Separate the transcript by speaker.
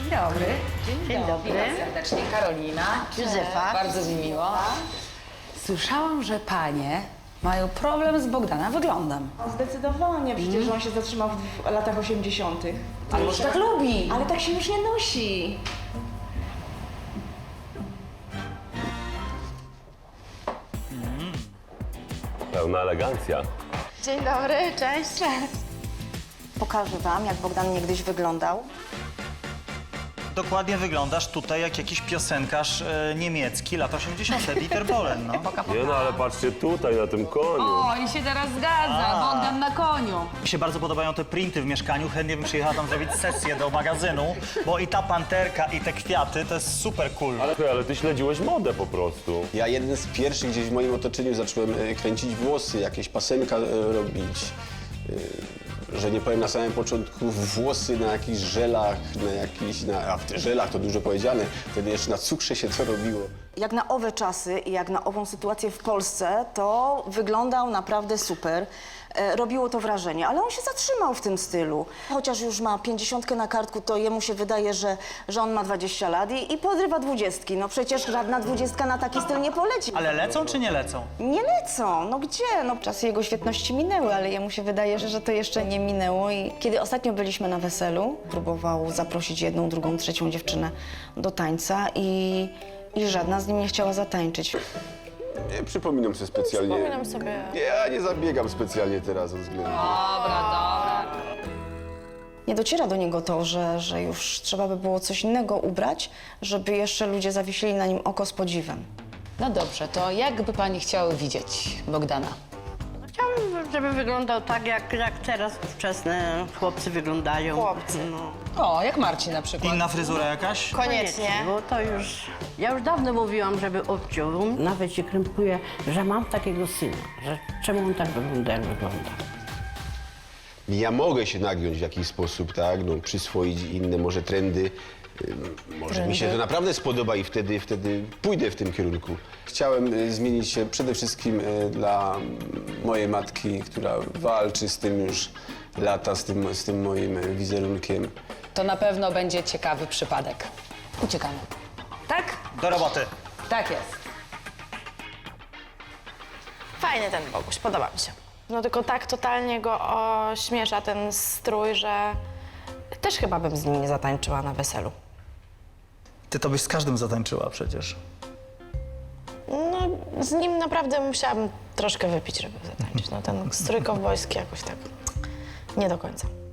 Speaker 1: dobry.
Speaker 2: Dzień dobry.
Speaker 1: Witam serdecznie, Karolina.
Speaker 2: Józefa.
Speaker 1: Bardzo mi miło. Słyszałam, że panie mają problem z Bogdana wyglądem.
Speaker 3: Zdecydowanie, przecież on się zatrzymał w latach 80.
Speaker 1: Ale może tak lubi.
Speaker 3: Ale tak się już nie nosi.
Speaker 4: Pełna elegancja.
Speaker 2: Dzień dobry, cześć.
Speaker 5: Pokażę wam, jak Bogdan niegdyś wyglądał.
Speaker 6: Dokładnie wyglądasz tutaj jak jakiś piosenkarz niemiecki, lat 80. Dieter Bohlen, no.
Speaker 4: Nie no, ale patrzcie tutaj na tym koniu.
Speaker 1: O, i się teraz zgadza. Bogdan na koniu.
Speaker 6: Mi się bardzo podobają te printy w mieszkaniu, chętnie bym przyjechała tam zrobić sesję do magazynu, bo i ta panterka, i te kwiaty, to jest super cool.
Speaker 4: Ale ty śledziłeś modę po prostu.
Speaker 7: Ja jeden z pierwszych gdzieś w moim otoczeniu zacząłem kręcić włosy, jakieś pasemka robić. Że nie powiem na samym początku, włosy na jakichś żelach, a w tych żelach to dużo powiedziane, wtedy jeszcze na cukrze się to robiło.
Speaker 5: Jak na owe czasy i jak na ową sytuację w Polsce, to wyglądał naprawdę super. Robiło to wrażenie, ale on się zatrzymał w tym stylu. Chociaż już ma 50 na kartku, to jemu się wydaje, że on ma 20 lat i podrywa 20. No przecież żadna 20 na taki styl nie poleci.
Speaker 6: Ale lecą czy nie lecą?
Speaker 5: Nie lecą, no gdzie? No czasy jego świetności minęły, ale jemu się wydaje, że to jeszcze nie minęło. I kiedy ostatnio byliśmy na weselu, próbował zaprosić jedną, drugą, trzecią dziewczynę do tańca i żadna z nim nie chciała zatańczyć.
Speaker 7: Nie przypominam sobie specjalnie.
Speaker 2: Przypominam sobie.
Speaker 7: Ja nie zabiegam specjalnie teraz o względu.
Speaker 5: Nie dociera do niego to, że już trzeba by było coś innego ubrać, żeby jeszcze ludzie zawiesili na nim oko z podziwem.
Speaker 1: No dobrze, to jak by pani chciały widzieć Bogdana?
Speaker 2: Chciałabym, żeby wyglądał tak, jak teraz ówczesne chłopcy wyglądają.
Speaker 5: Chłopcy.
Speaker 2: No.
Speaker 1: O, jak Marcin na przykład.
Speaker 6: Inna fryzura jakaś?
Speaker 5: Koniecznie.
Speaker 2: Bo to już... Ja już dawno mówiłam, żeby obciął. Nawet się krępuję, że mam takiego syna, że czemu on tak wygląda, jak wygląda.
Speaker 7: Ja mogę się nagiąć w jakiś sposób, tak? No, przyswoić inne może trendy. Może mi się to naprawdę spodoba i wtedy pójdę w tym kierunku. Chciałem zmienić się przede wszystkim dla mojej matki, która walczy z tym już lata, z tym moim wizerunkiem.
Speaker 1: To na pewno będzie ciekawy przypadek. Uciekamy. Tak?
Speaker 6: Do roboty.
Speaker 1: Tak jest.
Speaker 8: Fajny ten Boguś, podoba mi się. No tylko tak totalnie go ośmiesza ten strój, że też chyba bym z nim nie zatańczyła na weselu.
Speaker 6: Ty to byś z każdym zatańczyła przecież.
Speaker 8: No z nim naprawdę musiałabym troszkę wypić, żeby zatańczyć. No ten strój kowbojski jakoś tak nie do końca.